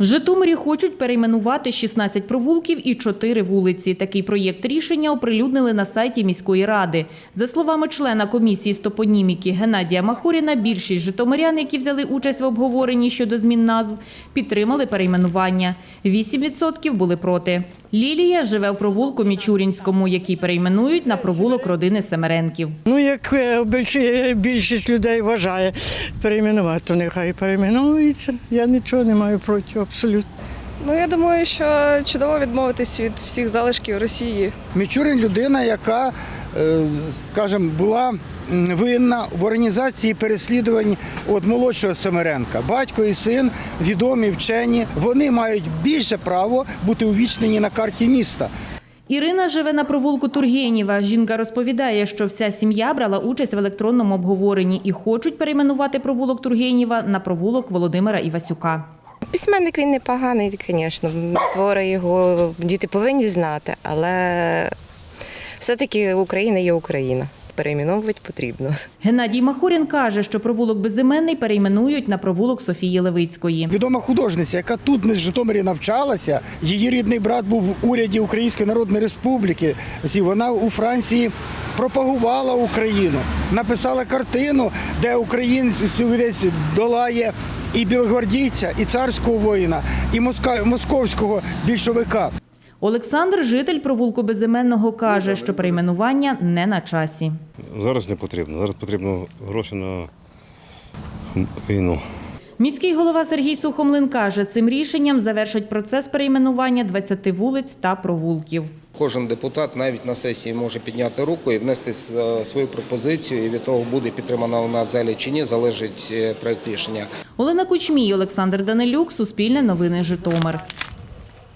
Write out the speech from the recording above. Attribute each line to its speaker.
Speaker 1: В Житомирі хочуть перейменувати 16 провулків і 4 вулиці. Такий проєкт рішення оприлюднили на сайті міської ради. За словами члена комісії з топоніміки Геннадія Махоріна, більшість житомирян, які взяли участь в обговоренні щодо змін назв, підтримали перейменування. 8% були проти. Лілія живе в провулку Мічурінському, який перейменують на провулок родини Семеренків.
Speaker 2: Як більшість людей вважає перейменувати, то нехай перейменується. Я нічого не маю проти, абсолютно.
Speaker 3: Я думаю, що чудово відмовитись від всіх залишків Росії.
Speaker 4: Мічурін – людина, яка, скажімо, була винна в організації переслідувань від молодшого Семеренка. Батько і син відомі, вчені. Вони мають більше право бути увічнені на карті міста.
Speaker 1: Ірина живе на провулку Тургенєва. Жінка розповідає, що вся сім'я брала участь в електронному обговоренні і хочуть перейменувати провулок Тургенєва на провулок Володимира Івасюка.
Speaker 5: Письменник він непоганий, звісно, твори його діти повинні знати, але все-таки Україна є Україна. Перейменовувати потрібно.
Speaker 1: Геннадій Махорін каже, що провулок Безіменний перейменують на провулок Софії Левицької.
Speaker 4: Відома художниця, яка тут в Житомирі навчалася, її рідний брат був в уряді Української Народної Республіки. Вона у Франції пропагувала Україну, написала картину, де українець долає і білогвардійця, і царського воїна, і московського більшовика.
Speaker 1: Олександр, житель провулку Безіменного, каже, що перейменування не на часі.
Speaker 6: Зараз не потрібно. Зараз потрібно гроші на війну.
Speaker 1: Міський голова Сергій Сухомлин каже, цим рішенням завершать процес перейменування 20 вулиць та провулків.
Speaker 7: Кожен депутат навіть на сесії може підняти руку і внести свою пропозицію, і від того, буде підтримана вона в залі чи ні, залежить проект рішення.
Speaker 1: Олена Кучмій, Олександр Данилюк, Суспільне новини, Житомир.